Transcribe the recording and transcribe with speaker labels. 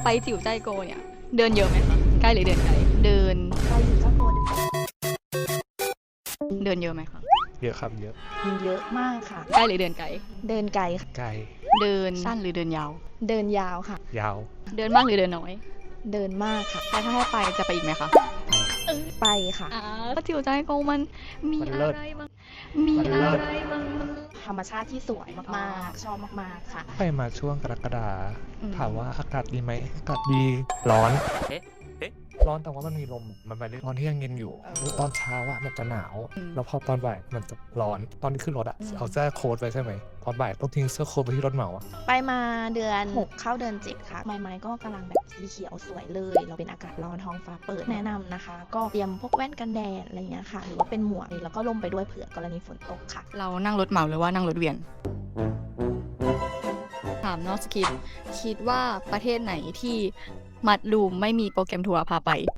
Speaker 1: ไปจิ๋วใจโกเนี่ยเดินเยอะไหมคะใกล้หรือเดินไกลเดิน
Speaker 2: ไปอยู่เจ้าตัว
Speaker 1: เดินเยอะไหมคะ
Speaker 3: เยอะครับเยอะ
Speaker 2: เยอะมากค่ะ
Speaker 1: ใกล้หรือเดินไกล
Speaker 2: เดินไกลค่ะ
Speaker 3: ไกล
Speaker 1: เดินสั้นหรือเดินยาว
Speaker 2: เดินยาวค่ะ
Speaker 3: ยาว
Speaker 1: เดินมากหรือเดินน้อย
Speaker 2: เดินมากค่ะ
Speaker 1: แล้วถ้าให้ไปจะไปอีกไหมคะ
Speaker 2: ไปค่ะ
Speaker 1: จิ๋วใจโกมันมี
Speaker 3: มัน
Speaker 1: อะ
Speaker 3: เลิศ
Speaker 1: ไรบ้างมี
Speaker 3: มัน
Speaker 1: อะ
Speaker 3: เลิศ
Speaker 1: ไรบ้างมัน
Speaker 2: ธรรมชาติที่สวยมากๆ ชอบมากๆค่ะ
Speaker 3: ไปมาช่วงกรกฎา
Speaker 1: อืม
Speaker 3: ถามว่าอากาศดีไหมอากาศดีร้อน ร้อนแต่ว่ามันมีลมมันไปได้ตอนที่ยังเย็นอยู่ตอนเช้าอะมันจะหนาว แล้วพอตอนบ่ายมันจะร้อนตอนที่ขึ้นรถอะเอาเสื้อโค้ทไปใช่ไหมตอนบ่ายต้องทิ้งเสื้อโค้ทไปที่รถเหมาอะ
Speaker 2: ไปมาเดือน 6 เข้าเดือน 7 ค่ะ ไม้ก็กำลังแบบสีเขียวสวยเลย เราเป็นอากาศร้อนท้องฟ้าเปิดแนะนำนะคะ ก็เตรียมพวกแว่นกันแดดอะไรอย่างเงี้ยค่ะ หรือว่าเป็นหมวกแล้วก็ร่มไปด้วยเผื่อกรณีฝนตกค่ะ
Speaker 1: เรานั่งรถเหมาหรือว่านั่งรถเวียน ถามนอกสคริปต์คิดว่าประเทศไหนที่มัดรูมไม่มีโปรแกรมทัวร์พาไป